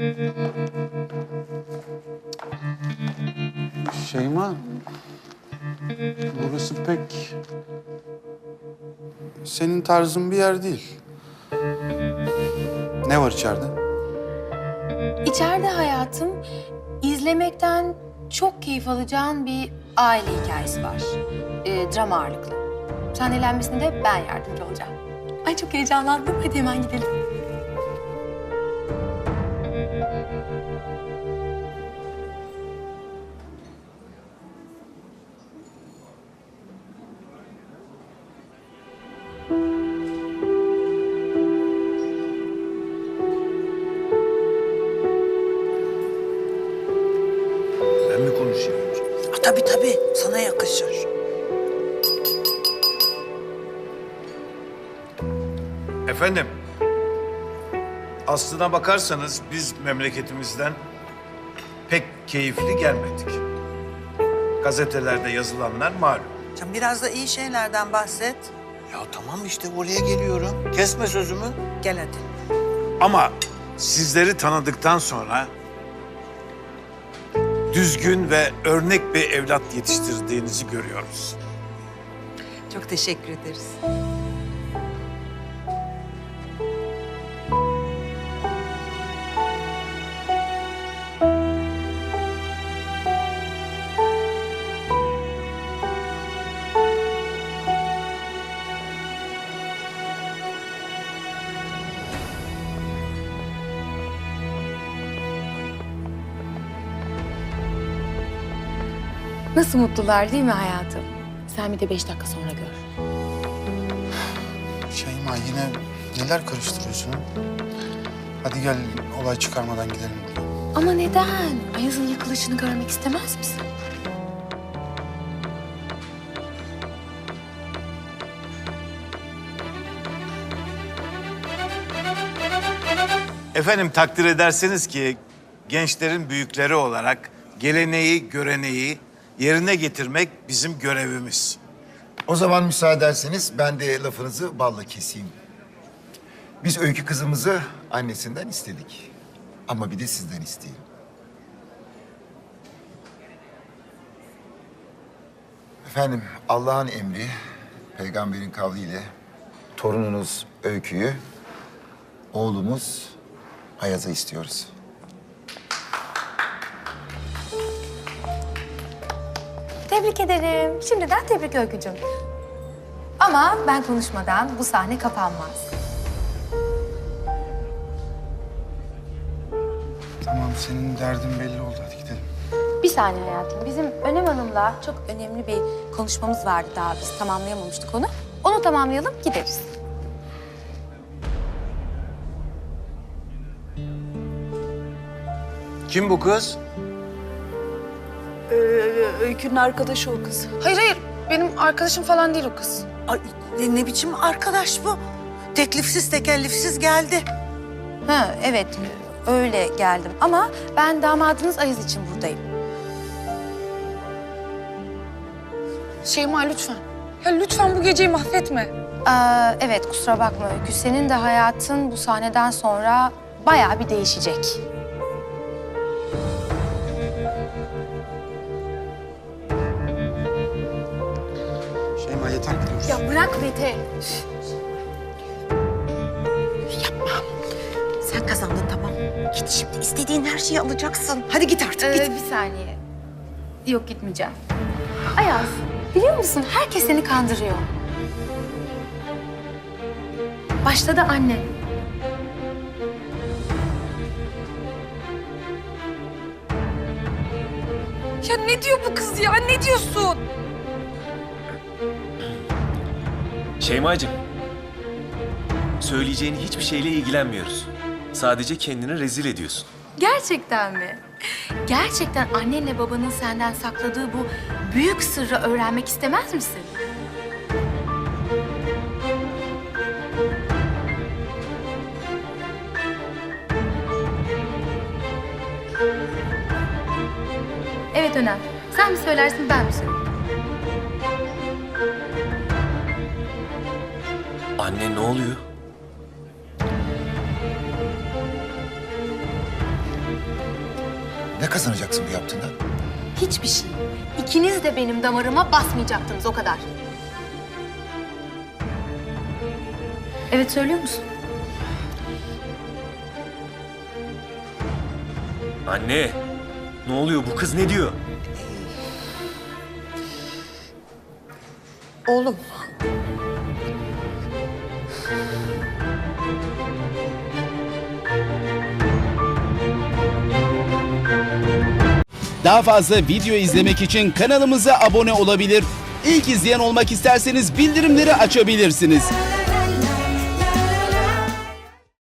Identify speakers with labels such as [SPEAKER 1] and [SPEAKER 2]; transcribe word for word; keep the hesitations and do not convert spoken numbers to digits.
[SPEAKER 1] Şeyma, burası pek senin tarzın bir yer değil. Ne var içeride?
[SPEAKER 2] İçeride hayatım, izlemekten çok keyif alacağın bir aile hikayesi var. Ee, drama ağırlıklı. Sahnelenmesine de ben yardımcı olacağım. Ay çok heyecanlandım. Hadi hemen gidelim.
[SPEAKER 3] Ben mi konuşayım?
[SPEAKER 4] Ha, tabii tabii, sana yakışır.
[SPEAKER 3] Efendim, aslına bakarsanız biz memleketimizden pek keyifli gelmedik. Gazetelerde yazılanlar malum.
[SPEAKER 4] Can biraz da iyi şeylerden bahset.
[SPEAKER 5] Ya tamam işte oraya geliyorum. Kesme sözümü.
[SPEAKER 4] Gel hadi.
[SPEAKER 3] Ama sizleri tanıdıktan sonra düzgün ve örnek bir evlat yetiştirdiğinizi görüyoruz.
[SPEAKER 4] Çok teşekkür ederiz.
[SPEAKER 2] Nasıl mutlular değil mi hayatım? Sen bir de beş dakika sonra gör.
[SPEAKER 1] Şeyma yine neler karıştırıyorsun ha? Hadi gel olay çıkarmadan gidelim buradan.
[SPEAKER 2] Ama neden? Ayaz'ın yıkılışını görmek istemez misin?
[SPEAKER 3] Efendim takdir ederseniz ki gençlerin büyükleri olarak geleneği, göreneği yerine getirmek bizim görevimiz.
[SPEAKER 6] O zaman müsaade ederseniz ben de lafınızı balla keseyim. Biz Öykü kızımızı annesinden istedik. Ama bir de sizden isteyelim. Efendim Allah'ın emri, peygamberin kavliyle torununuz Öykü'yü, oğlumuz Ayaz'a istiyoruz.
[SPEAKER 2] Tebrik ederim. Şimdiden tebrik Öykücüğüm. Ama ben konuşmadan bu sahne kapanmaz.
[SPEAKER 1] Tamam senin derdin belli oldu hadi gidelim.
[SPEAKER 2] Bir saniye hayatım. Bizim Önem Hanım'la çok önemli bir konuşmamız vardı daha. Biz tamamlayamamıştık onu. Onu tamamlayalım, gideriz.
[SPEAKER 3] Kim bu kız?
[SPEAKER 7] Ee, Öykü'nün arkadaşı o kız.
[SPEAKER 8] Hayır hayır. Benim arkadaşım falan değil o kız.
[SPEAKER 4] Ay, ne, ne biçim arkadaş bu? Teklifsiz tekellifsiz geldi.
[SPEAKER 2] Ha evet, öyle geldim. Ama ben damadınız Ayaz için buradayım.
[SPEAKER 8] Şeyma lütfen. Ya lütfen bu geceyi mahvetme.
[SPEAKER 2] Aa, evet, kusura bakma Öykü. Senin de hayatın bu sahneden sonra bayağı bir değişecek.
[SPEAKER 1] Şeyma yeter gidiyoruz.
[SPEAKER 2] Ya bırak Mete.
[SPEAKER 4] Sen kazandın tamam. Git şimdi istediğin her şeyi alacaksın. Hadi git artık
[SPEAKER 2] Ee,
[SPEAKER 4] git.
[SPEAKER 2] bir saniye. Yok, gitmeyeceğim. Ayaz, biliyor musun herkes seni kandırıyor. Başta da anne.
[SPEAKER 8] Ya ne diyor bu kız ya? Ne diyorsun?
[SPEAKER 9] Şeymacığım, söyleyeceğin hiçbir şeyle ilgilenmiyoruz. Sadece kendini rezil ediyorsun.
[SPEAKER 2] Gerçekten mi? Gerçekten annenle babanın senden sakladığı bu büyük sırrı öğrenmek istemez misin? Evet Önem. Sen mi söylersin, ben mi söyleyeyim?
[SPEAKER 9] Anne ne oluyor?
[SPEAKER 6] Ne kazanacaksın bu yaptığından?
[SPEAKER 2] Hiçbir şey. İkiniz de benim damarıma basmayacaktınız o kadar. Evet, söylüyor musun?
[SPEAKER 9] Anne, ne oluyor? Bu kız ne diyor?
[SPEAKER 4] Oğlum,
[SPEAKER 10] Daha fazla video izlemek için kanalımıza abone olabilir. İlk izleyen olmak isterseniz bildirimleri açabilirsiniz.